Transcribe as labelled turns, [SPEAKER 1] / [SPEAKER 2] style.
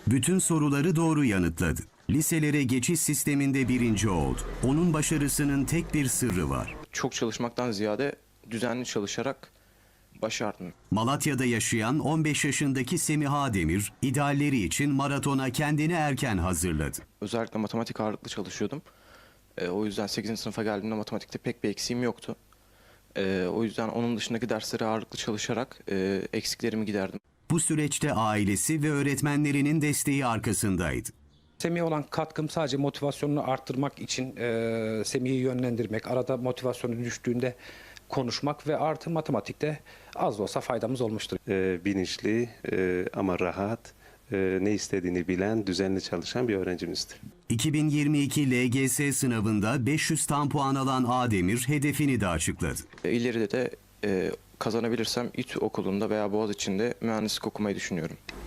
[SPEAKER 1] Bütün soruları doğru yanıtladı. Liselere geçiş sisteminde birinci oldu. Onun başarısının tek bir sırrı var.
[SPEAKER 2] Çok çalışmaktan ziyade düzenli çalışarak başardım.
[SPEAKER 1] Malatya'da yaşayan 15 yaşındaki Semiha Demir, idealleri için maratona kendini erken hazırladı.
[SPEAKER 2] Özellikle matematik ağırlıklı çalışıyordum. O yüzden 8. sınıfa geldiğimde matematikte pek bir eksiğim yoktu. O yüzden onun dışındaki derslere ağırlıklı çalışarak eksiklerimi giderdim.
[SPEAKER 1] Bu süreçte ailesi ve öğretmenlerinin desteği arkasındaydı.
[SPEAKER 3] Semih'e olan katkım sadece motivasyonunu arttırmak için Semih'i yönlendirmek, arada motivasyonu düştüğünde konuşmak ve artı matematikte az da olsa faydamız olmuştur.
[SPEAKER 4] Bilinçli ama rahat, ne istediğini bilen, düzenli çalışan bir öğrencimizdir.
[SPEAKER 1] 2022 LGS sınavında 500 tam puan alan Ademir hedefini de açıkladı.
[SPEAKER 2] İleride de kazanabilirsem İTÜ okulunda veya Boğaziçi'nde mühendislik okumayı düşünüyorum.